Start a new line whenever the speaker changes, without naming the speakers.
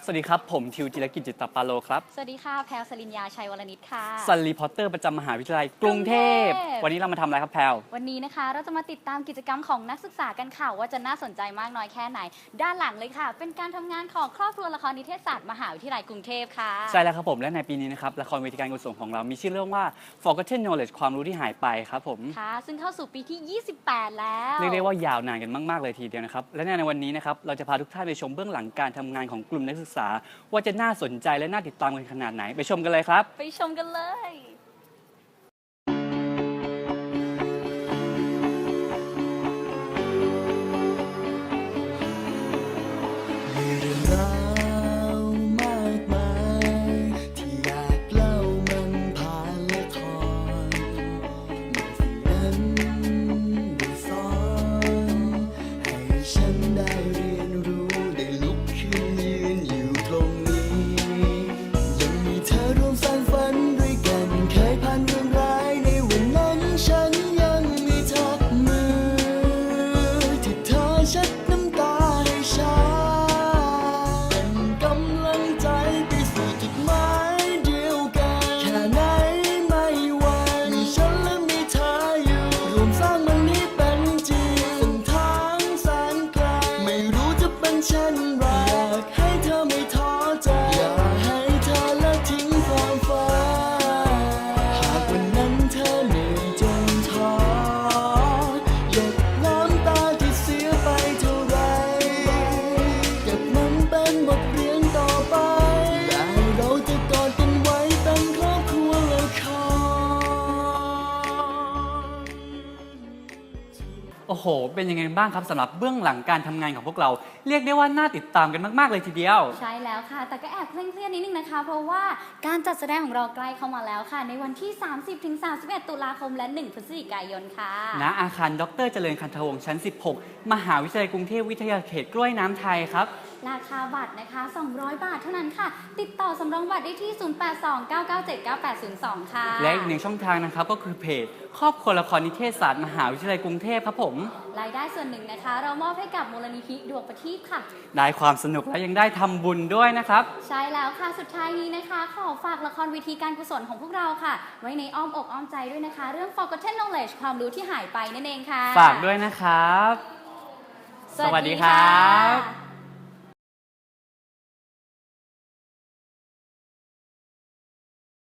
วัสดีครับผมทิวจิรกิจจิตตปาโลครับ
สวัสดีค่ะแพลวสลินยาชัยวรนิชค่ะ
ซันรีพอร์เตอร์ประจำมหาวิทยาลัยกรุงเทพวันนี้เรามาทำอะไรครับแพลว
วันนี้นะคะเราจะมาติดตามกิจกรรมของนักศึกษากันค่ะว่าจะน่าสนใจมากน้อยแค่ไหนด้านหลังเลยค่ะเป็นการทำงานของครอบครัวละครนิเทศศาสตร์มหาวิทยาลัยกรุงเทพค่ะ
ใช่แล้วครับผมและในปีนี้นะครับละครเวทีการกุศลของเรามีชื่อเรื่องว่า Forgotten Knowledge ความรู้ที่หายไปครับผม
ค่ะซึ่งเข้าสู่ปีที่ 28 แล้ว
เรียกได้ว่ายาวนานกันมากๆเลยทีเดียวนะครับและในวันนี้นะครับเราจะพาทุกท่านไปชมเบื้องหลังการทำงานของกลุ่มนักศึกษาว่าจะน่าสนใจและน่าติดตามกันขนาดไหนไปชมกันเลยครับ
ไปชมกันเลย
โอ้โหเป็นยังไงบ้างครับสำหรับเบื้องหลังการทำงานของพวกเราเรียกได้ว่าน่าติดตามกันมากๆเลยทีเดียว
ใช่แล้วค่ะแต่ก็แอบเคร่งๆนิดนึงนะคะเพราะว่าการจัดแสดงของเราใกล้เข้ามาแล้วค่ะในวันที่ 30-31 ตุลาคมและ 1 พฤศจิกายนค่ะ
ณอาคารดร.เจริญคันธวงศ์ชั้น 16 มหาวิทยาลัยกรุงเทพวิทยาเขตกล้วยน้ำไทยครับ
ราคาบัตรนะคะ200 บาทเท่านั้นค่ะติดต่อสำรองบัตรได้ที่ 0829979802 ค่ะ
และอีกหนึ่งช่องทางนะครับก็คือเพจครอบครัวละครนิเทศศาสตร์มหาวิทยาลัยกรุงเทพครับผม
รายได้ส่วนหนึ่งนะคะเรามอบให้กับมูลนิธิดวงประทีปค่ะ
ได้ความสนุกและยังได้ทำบุญด้วยนะครับ
ใช่แล้วค่ะสุดท้ายนี้นะคะขอฝากละครเวทีการกุศลของพวกเราค่ะไว้ในอ้อมอกอ้อมใจด้วยนะคะเรื่อง Forgotten Knowledge ความรู้ที่หายไปนั่นเองค่ะ
ฝากด้วยนะครับสวัสดีครับ